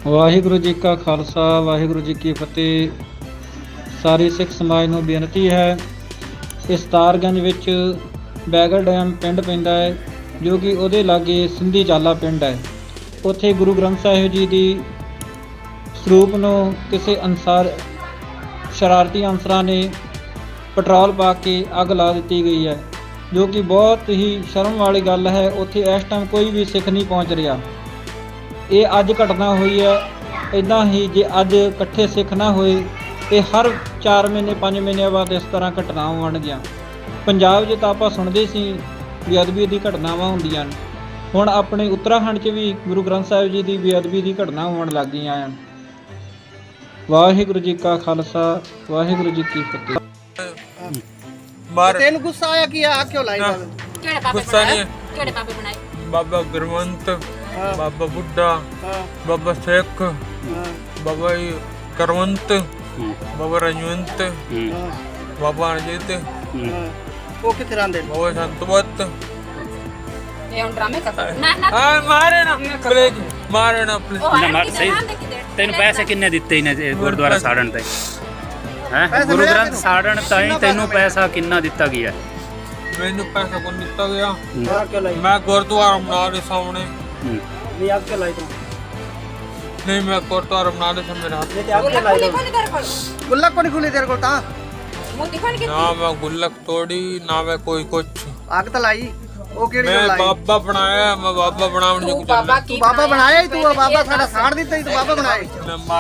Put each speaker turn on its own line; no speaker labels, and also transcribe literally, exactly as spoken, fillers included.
ਵਾਹਿਗੁਰੂ ਜੀ ਕਾ ਖਾਲਸਾ ਵਾਹਿਗੁਰੂ ਜੀ ਕੀ ਫਤਿਹ। ਸਾਰੀ ਸਿੱਖ ਸਮਾਜ ਨੂੰ ਬੇਨਤੀ ਹੈ, ਇਸ ਤਾਰਗੰਜ ਵਿੱਚ ਬੈਗਲ ਡੈਮ ਪਿੰਡ ਪੈਂਦਾ ਹੈ, ਜੋ ਕਿ ਉਹਦੇ ਲਾਗੇ ਸਿੰਧੀ ਚਾਲਾ ਪਿੰਡ ਹੈ। ਉੱਥੇ ਗੁਰੂ ਗ੍ਰੰਥ ਸਾਹਿਬ ਜੀ ਦੀ ਸਰੂਪ ਨੂੰ ਕਿਸੇ ਅਨਸਾਰ ਸ਼ਰਾਰਤੀ ਅਨਸਰਾਂ ਨੇ ਪੈਟਰੋਲ ਪਾ ਕੇ ਅੱਗ ਲਾ ਦਿੱਤੀ ਗਈ ਹੈ, ਜੋ ਕਿ ਬਹੁਤ ਹੀ ਸ਼ਰਮ ਵਾਲੀ ਗੱਲ ਹੈ। ਉੱਥੇ ਇਸ ਟਾਈਮ ਕੋਈ ਵੀ ਸਿੱਖ ਨਹੀਂ ਪਹੁੰਚ ਰਿਹਾ। ਇਹ ਅੱਜ ਘਟਨਾ ਹੋਈ ਹੈ। ਇੱਦਾਂ ਹੀ ਜੇ ਅੱਜ ਇਕੱਠੇ ਸਿੱਖ ਨਾ ਹੋਏ ਤੇ ਹਰ ਚਾਰ ਮਹੀਨੇ ਪੰਜ ਮਹੀਨਿਆਂ ਬਾਅਦ ਇਸ ਤਰ੍ਹਾਂ ਘਟਨਾਵਾਂ ਹੋਣਗੀਆਂ। ਪੰਜਾਬ 'ਚ ਤਾਂ ਆਪਾਂ ਸੁਣਦੇ ਸੀ ਬੇਅਦਬੀ ਦੀ ਘਟਨਾਵਾਂ ਹੁੰਦੀਆਂ, ਹੁਣ ਆਪਣੇ ਉੱਤਰਾਖੰਡ 'ਚ ਵੀ ਗੁਰੂ ਗ੍ਰੰਥ ਸਾਹਿਬ ਜੀ ਦੀ ਬੇਅਦਬੀ ਦੀ ਘਟਨਾ ਹੋਣ ਲੱਗ ਗਈਆਂ ਹਨ। ਵਾਹਿਗੁਰੂ ਜੀ ਕਾ ਖਾਲਸਾ ਵਾਹਿਗੁਰੂ ਜੀ ਕੀ ਫਤਿਹ।
तेन गुस्सा आया कि आ क्यों लाई बाबे?
केड़े बाबे
गुस्सा
बनाए?
नहीं।
केड़े बाबे बनाए?
बाबा गुरवंत,
हाँ।
बाबा बुड्ढा,
हाँ,
बाबा शेख,
हाँ,
बाबा करवंत, बाबा रजवंत,
हाँ,
बाबा अजित,
हाँ। वो किथे रहंदे?
बाबा संतवत।
ये उन ड्रामे कर ना ना
हाँ मारे ना प्लीज, मारे ना प्लीज।
ओ
ना,
आर
मार-
की
सही।
जबान देखी दे
ਤੈਨੂੰ ਪੈਸੇ ਕਿੰਨੇ ਦਿੱਤੇ ਇਹਨੇ ਗੁਰਦੁਆਰਾ ਸਾੜਨ ਤੇ ਹੈ?
ਪੈਸੇ
ਗੁਰੂ
ਮਿਲਿਆ
ਗ੍ਰੰਥ
ਤੈਨੂੰ?
ਸਾੜਨ ਤਾਈਂ
ਕਿੰਨਾ
ਤੈਨੂੰ
ਪੈਸਾ
ਪੈਸਾ ਕਿੰਨਾ ਦਿੱਤਾ ਗਿਆ?
मैंने पैसा को दिता गया।
हाँ, क्यों लाई?
मैं गुरुद्वारा बना रहे सामने,
ਹੂੰ।
नहीं आग क्यों लाई तू?
नहीं मैं गुरुद्वारा बना रहे सामने हाथ।
नहीं आग क्यों
बोला
लाई
खोली
तू?
खोली तेरे खोल
गुल्लक को नहीं खुली तेरे को ता?
मुंह दिखा के
ना मैं गुल्लक तोड़ी ना मैं कोई कुछ।
आग तो लाई। वो केड़ी
मैं
गल लाई?
बाबा बनाया, मैं बाबा बनाने
तू
जो
बाबा
तू
की
बाबा बनाया ही तू
पहले
बाबा
ये
साडा
बात-
साड़ दिता ही तू बाबा बनाए।
मैं